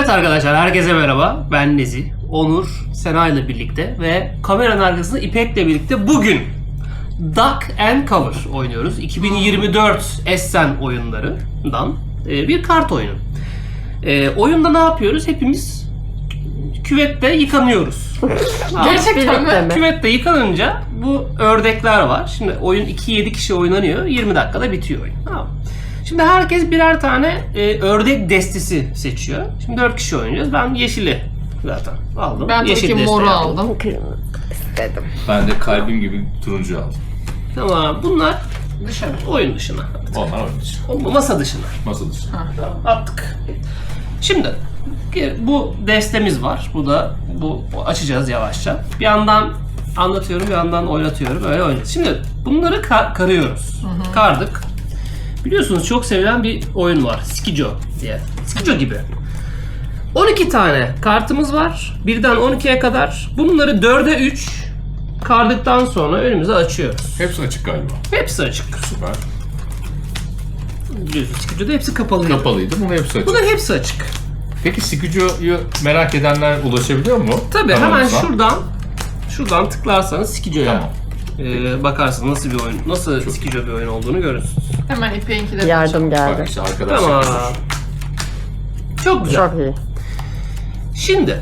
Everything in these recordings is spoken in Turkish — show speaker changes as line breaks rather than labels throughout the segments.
Evet arkadaşlar, herkese merhaba. Ben Nezih, Onur, Sena ile birlikte ve kameranın arkasında İpek'le birlikte bugün Duck and Cover oynuyoruz. 2024 Essen oyunlarından bir kart oyunu. Oyunda ne yapıyoruz? Hepimiz küvette yıkanıyoruz.
Gerçekten mi?
Küvette yıkanınca bu ördekler var. Şimdi oyun 2-7 kişi oynanıyor. 20 dakikada bitiyor oyun. Tamam. Şimdi herkes birer tane ördek destesi seçiyor. Şimdi 4 kişi oynayacağız. Ben yeşili zaten aldım.
Ben tabii ki moru aldım.
İstedim.
Ben de kalbim gibi turuncu aldım.
Tamam, bunlar
Dışarı.
oyun dışına.
Onlar oyun dışı.
Masa dışına.
Masa dışı.
Tamam, attık. Şimdi bu destemiz var. Bu açacağız yavaşça. Bir yandan anlatıyorum, bir yandan oynatıyorum. Öyle oynayacağız. Şimdi bunları karıyoruz. Kardık. Biliyorsunuz çok sevilen bir oyun var. Skijo diye. Skijo gibi. 12 tane kartımız var. 1'den 12'ye kadar. Bunları 4'e 3 kardıktan sonra önümüze açıyoruz.
Hepsi açık galiba.
Hepsi açık.
Süper.
Biliyorsunuz Skijo'da hepsi kapalıydı.
Kapalıydı. Bunun hepsi açık.
Bunların hepsi açık.
Peki Skijo'yu merak edenler ulaşabiliyor mu?
Tabii
Kanalımıza.
hemen şuradan tıklarsanız Skijo'ya
Tamam.
bakarsınız nasıl bir oyun, nasıl Skijo bir oyun olduğunu görürsünüz.
Hemen İpek'inki de
Yardım
Bak
geldi.
işte arkadaşlar.
Tamam. Çok güzel.
Çok iyi.
Şimdi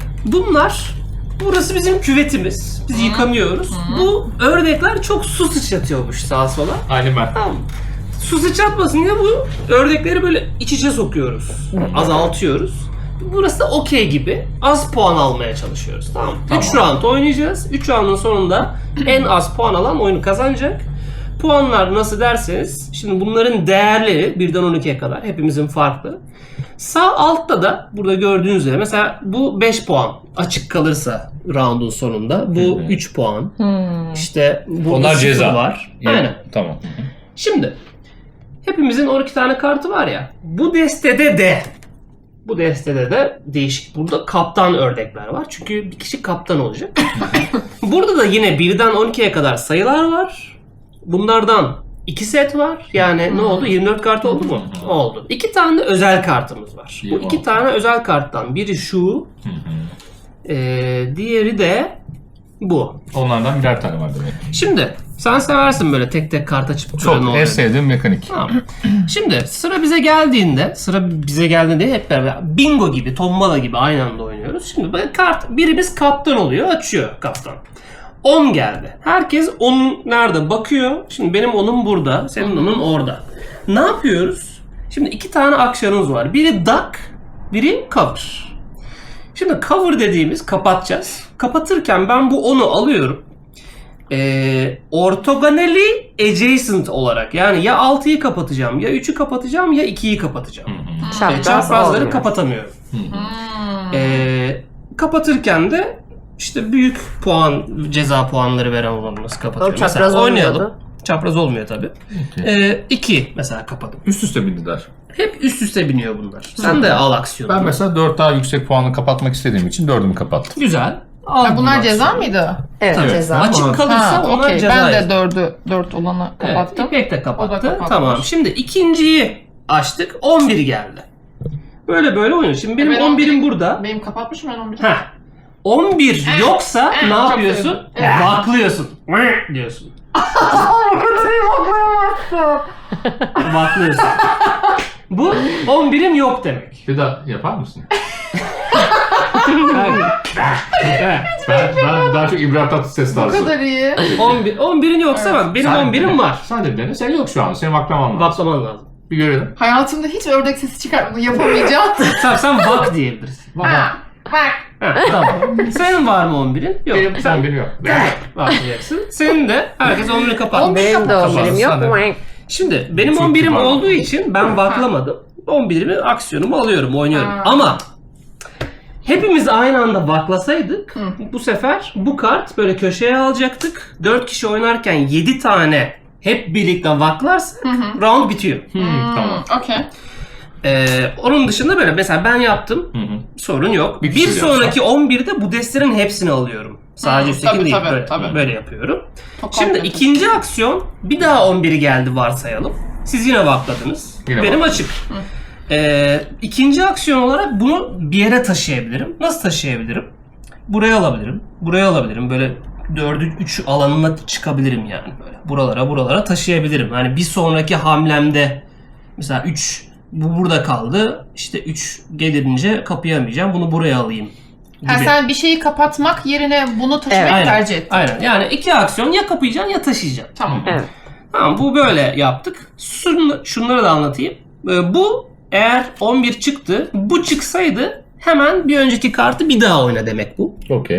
burası bizim küvetimiz. Biz yıkanıyoruz. Bu ördekler çok su sıçratıyormuş sağa sola.
Aynı ben.
Tamam. Su sıçratmasın diye bu ördekleri böyle iç içe sokuyoruz. Azaltıyoruz. Burası da okey gibi. Az puan almaya çalışıyoruz. Tamam. 3 round oynayacağız. 3 roundun sonunda en az puan alan oyunu kazanacak. Puanlar nasıl derseniz, şimdi bunların değerleri 1'den 12'ye kadar hepimizin farklı. Sağ altta da burada gördüğünüz üzere mesela bu 5 puan açık kalırsa roundun sonunda, bu 3 puan. İşte bu
Onlar
0
ceza
var.
Yani,
Aynen.
tamam.
Şimdi hepimizin 12 tane kartı var ya. Bu destede de değişik. Burada kaptan ördekler var. Çünkü bir kişi kaptan olacak. Burada da yine 1'den 12'ye kadar sayılar var. Bunlardan 2 set var. Yani ne oldu? 24 kart oldu mu? Oldu. 2 tane de özel kartımız var. Bu 2 tane özel karttan biri şu. Diğeri de bu.
Onlardan birer tane var demek.
Şimdi sen seversin böyle tek tek kart açıp böyle ne
Çok
oluyor
en sevdiğim mekanik.
Tamam. Şimdi sıra bize geldiğinde hep beraber bingo gibi, tombala gibi aynı anda oynuyoruz. Şimdi böyle birimiz kaptan oluyor, açıyor kaptan. 10 geldi. Herkes 10 nerede bakıyor. Şimdi benim 10'um burada, senin 10'un orada. Ne yapıyoruz? Şimdi 2 tane aksiyonumuz var. Biri duck, biri cover. Şimdi cover dediğimiz kapatacağız. Kapatırken ben bu 10'u alıyorum. Ortogonally adjacent olarak, yani ya 6'yı kapatacağım, ya 3'ü kapatacağım, ya 2'yi kapatacağım. Çaprazları
olmuyor.
kapatamıyorum. Kapatırken de işte büyük puan, ceza puanları veren olanı nasıl kapatıyor?
O çapraz
mesela oynayalım.
olmuyordu.
Çapraz olmuyor tabii. 2 mesela kapadım.
Üst üste bindiler.
Hep üst üste biniyor bunlar. Sen de al aksiyonu.
Ben mesela 4 daha yüksek puanlı kapatmak istediğim için 4'ümü kapattım.
Güzel. Al
Ha, bunlar
bunu
ceza
aksiyonu.
mıydı?
Evet,
Tabii.
ceza.
Açık kalırsa
Ha,
onlar
okey.
ceza.
Ben
yer.
de 4 olanı kapattım.
Evet, İpek de
O da
kapattı.
kapatmış.
Tamam. Şimdi ikinciyi açtık. 11 geldi. Böyle oynuyor. Şimdi benim
Ben
11'im burada.
Benim kapatmışım ben 11'i.
Heh. 11 yoksa ne
çok
yapıyorsun?
sevdim. Evet.
Baklıyorsun. Diyorsun. Baklıyorsun. Bu 11'im yok demek.
Bir daha yapar mısın?
Evet.
ben daha çok İbrahim Tatlıses
Bu
tarzı.
kadar iyi.
11'in yoksa bak benim 11'im var.
Sen de dene. Sen yok şu an. Senin baklaman lazım.
Baklaman lazım.
Bir görelim.
Hayatımda hiç ördek sesi çıkartmadım. Yapamayacağım.
Sen bak diyebilirsin.
Ha, bak.
Ha, tamam. Senin var mı 11'in? Yok.
Sen beni yok.
Baklayacaksın. Senin de herkes 11'i kapat.
Benim de
Kapat.
11'im yok.
Sen de.
Şimdi benim
Çok
11'im
kibar.
olduğu için ben baklamadım. 11'imi aksiyonumu alıyorum, oynuyorum.
Ha.
Ama hepimiz aynı anda baklasaydık bu sefer bu kart böyle köşeye alacaktık. 4 kişi oynarken 7 tane hep birlikte vaklarsak round bitiyor.
Tamam.
Okey.
Onun dışında böyle mesela ben yaptım. Sorun yok.
Bir
Bir,
kişi
sonraki 11'de bu destelerin hepsini alıyorum. Sadece üstteki değil.
Tabii.
Böyle yapıyorum.
Çok
Şimdi
kompleks.
ikinci aksiyon, bir daha 11'i geldi varsayalım. Siz yine vakladınız.
Yine
Benim
bak.
açık. İkinci aksiyon olarak bunu bir yere taşıyabilirim. Nasıl taşıyabilirim? Buraya alabilirim. Buraya alabilirim. Böyle 4'ü 3 alanına çıkabilirim yani. Böyle buralara taşıyabilirim. Yani bir sonraki hamlemde mesela 3 bu burada kaldı. İşte 3 gelince kapayamayacağım. Bunu buraya alayım gibi.
Ha, sen bir şeyi kapatmak yerine bunu taşımayı
Aynen,
tercih ettin.
aynen. Yani iki aksiyon ya kapayacaksın ya taşıyacaksın.
Tamam.
Evet.
Tamam, bu böyle yaptık. Şunları da anlatayım. Bu eğer 11 çıktı, bu çıksaydı hemen bir önceki kartı bir daha oyna demek bu.
Okey.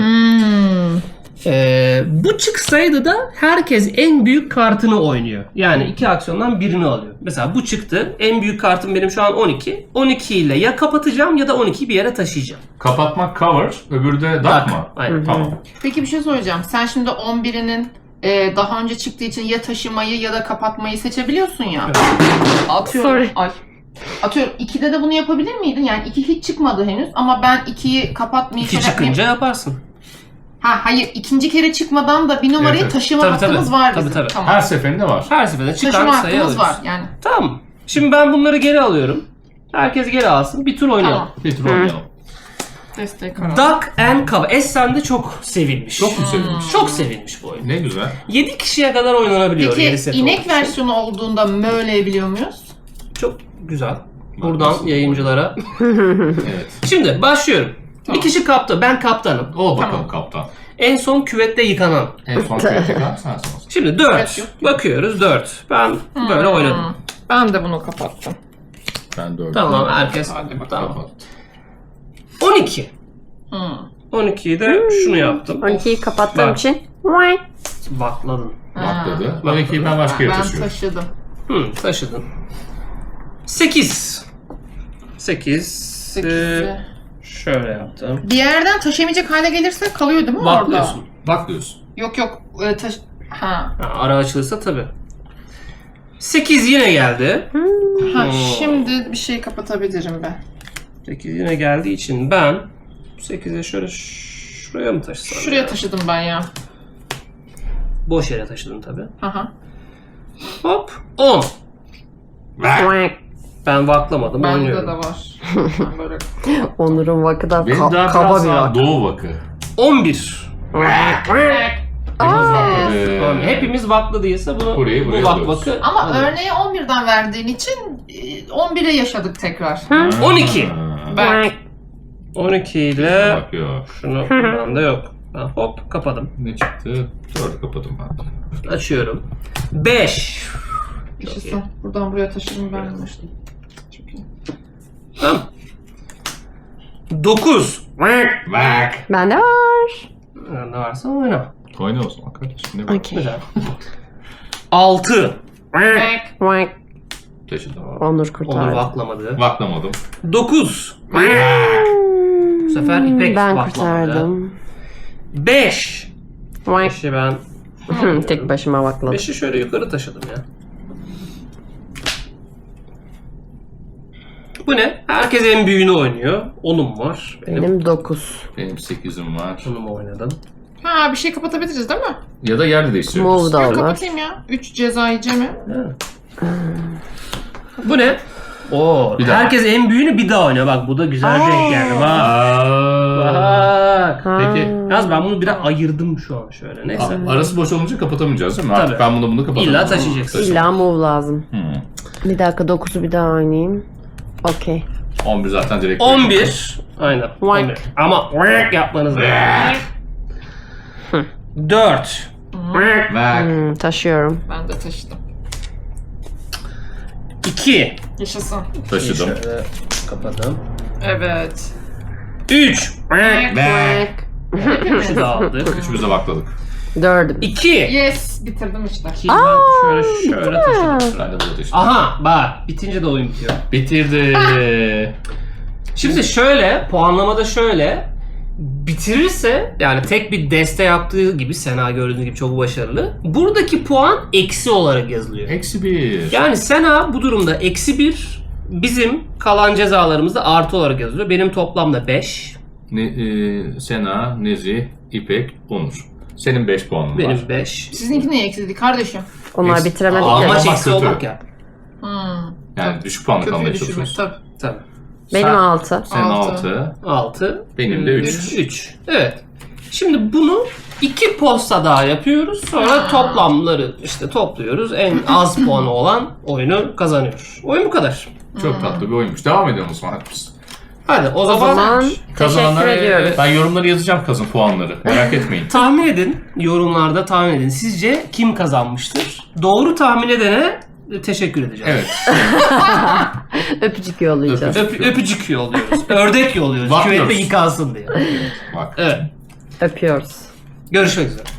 Bu çıksaydı da herkes en büyük kartını oynuyor. Yani iki aksiyondan birini alıyor. Mesela bu çıktı. En büyük kartım benim şu an 12. 12 ile ya kapatacağım ya da 12'yi bir yere taşıyacağım.
Kapatmak cover, öbürü de duck mı?
Aynen.
Tamam.
Peki bir şey soracağım. Sen şimdi 11'inin daha önce çıktığı için ya taşımayı ya da kapatmayı seçebiliyorsun ya.
Evet.
Atıyorum.
Sorry.
Atıyorum 2'de de bunu yapabilir miydin? Yani 2 hiç çıkmadı henüz ama ben 2'yi kapatmayı
2 çıkınca yaparsın.
Ha hayır, ikinci kere çıkmadan da bir numarayı
Evet.
taşıma
Tabii,
hakkımız
tabii.
var
Tabii,
bizim.
tabii.
Tamam.
Her seferinde var.
Her seferinde çıkan
Taşıma
sayı
hakkımız
alıyoruz.
var yani.
Tamam. Şimdi ben bunları geri alıyorum. Herkes geri alsın. Bir tur oynayalım.
Tamam.
Bir tur oynayalım.
Destek karar.
Duck and Cover. Essen'de çok sevilmiş.
Çok mu sevinmiş?
Çok sevilmiş bu oyun.
Ne güzel.
7 kişiye kadar oynanabiliyor. yedi
Peki
set
inek
olduğu için.
versiyonu olduğunda möleyebiliyor muyuz?
Çok güzel. Buradan
Nasıl?
yayıncılara.
Evet.
Şimdi başlıyorum.
Tamam.
Bir kişi kaptan. Ben kaptanım.
Ol bakalım
Tamam.
kaptan.
En son küvette yıkanan.
En son kritik ha, sen sonrasın.
Şimdi
Evet,
4.
yok.
Bakıyoruz 4. Ben böyle oynadım.
Ben de bunu kapattım.
Ben dördüm.
Tamam, herkes.
Hadi bakalım.
Tamam.
Kapat.
12.
Hmm.
12'yi de şunu yaptım.
12'yi kapattığım
Bak.
için. Vay.
Bakladın.
Bakladı. 12'yi ben başka yere
Ben
taşıyorum.
taşıdım.
Taşıdın. 8. 8.
8'i.
Şöyle yaptım.
Bir yerden taşıyamayacak hale gelirse kalıyor değil mi orada?
Baklıyorsun.
Baklıyorsun.
Yok yok. Ha.
Ha, ara açılırsa tabii. 8 yine geldi.
Ha, şimdi bir şey kapatabilirim ben.
8 yine geldiği için ben 8'e şöyle şuraya mı taşısam?
Şuraya
ya?
taşıdım ben ya.
Boş yere taşıdım tabii.
Aha.
Hop 10.
Vay.
Ben vaklamadım,
Bende
oynuyorum.
de var. Ben böyle.
Onur'un vakı da
Benim daha
kaba
biraz
bir
daha
vak.
doğu vakı.
11.
Hepimiz bakladı.
Yani hepimiz vakladıysa bunu
Burayı
bu
buraya
vak
alıyoruz.
vakı.
Ama
alıyoruz.
örneği 11'den verdiğin için 11'e yaşadık tekrar.
12.
Ben
12 ile
Bak yok.
şunu bende yok. Ben hop kapadım.
Ne çıktı? 4'ü kapadım ben.
Açıyorum. 5.
yaşasın. Buradan buraya taşıdım ben bunu. Çok iyi.
Tamam. 9.
Bak.
Bende var.
Ne varsa oyna.
Oyna o zaman kardeşim. Ne var?
Okey.
Güzel. 6.
Vay.
Taşıdım.
Onur
Onur
kurtardı.
vaklamadı.
Baklamadım.
9. Bu sefer İpek
Ben
vaklamadı.
kurtardım.
5.
Vay.
5'i ben
Tek başıma vakladım.
5'i şöyle yukarı taşıdım ya. Bu ne? Herkes en büyüğünü oynuyor. 10'um var.
Benim 9.
Benim 8'im var.
10'umu oynadım.
Ha, bir şey kapatabiliriz değil mi?
Ya da yer değiştiriyoruz.
Move da
Dur
olur.
kapatayım ya. 3 ceza yiyeceğim.
Bu ne? Oo,
Bir daha.
herkes en büyüğünü bir daha oynuyor. Bak bu da güzel denk geldi. Bak. Bak.
Peki.
Yalnız ben bunu biraz ayırdım şu an şöyle. Neyse.
Arası boş olunca kapatamayacağız değil mi?
Tabii.
Artık ben bunu kapatamam.
İlla taşıyacaksın.
İlla move lazım.
Hmm.
Bir dakika 9'u bir daha oynayayım. Okey.
11 zaten direkt.
11. Aynen.
Wank.
11. Ama wank yapmanız lazım. 4.
Bak.
Taşıyorum.
Ben de taşıdım.
2.
Yaşasın.
Taşıdım.
Şöyle kapadım.
Evet.
3.
Bak.
Şu da aldık.
Üçümüz de bakladık.
4'üm.
2.
Yes. Bitirdim işte.
Ben şöyle taşıdım.
Ben de burada taşıdım.
Aha bak bitince de oyun bitiyor.
Bitirdi.
Şimdi şöyle puanlamada şöyle bitirirse yani tek bir deste yaptığı gibi Sena gördüğünüz gibi çok başarılı. Buradaki puan eksi olarak yazılıyor.
Eksi 1.
Yani Sena bu durumda eksi 1, bizim kalan cezalarımızda artı olarak yazılıyor. Benim toplamda 5.
Sena, Nezi, İpek, Onur. Senin 5 puanın var.
Benim 5.
Sizinki niye eksildi kardeşim?
Onlar
Eksi-
bitiremedik
Aa,
ya.
Amaç
Ama
eksi
kötü.
olmak ya.
Yani düşük puanlı
Kötüyü
kalmaya
düşürmek
çalışıyorsun.
tabii.
Tabii.
Benim
Sen-
6.
Senin
Altı.
6.
6.
Benim de 3.
3. Evet. Şimdi bunu 2 posta daha yapıyoruz. Sonra toplamları işte topluyoruz. En az puanı olan oyunu kazanıyor. Oyun bu kadar.
Çok tatlı bir oyunmuş. Devam edelim o zaman.
Hadi o
O
zaman
zaman
Kazananlar,
teşekkür ediyoruz.
ben yorumları yazacağım kazın puanları. Merak etmeyin.
tahmin edin. Yorumlarda tahmin edin. Sizce kim kazanmıştır? Doğru tahmin edene teşekkür edeceğim.
Evet.
Öpücük yollayacağız.
Öpücük yolluyoruz. Ördek yolluyoruz.
Bakıyoruz.
Küvette yıkansın diye.
Bak.
Evet.
Öpüyoruz.
Görüşmek üzere.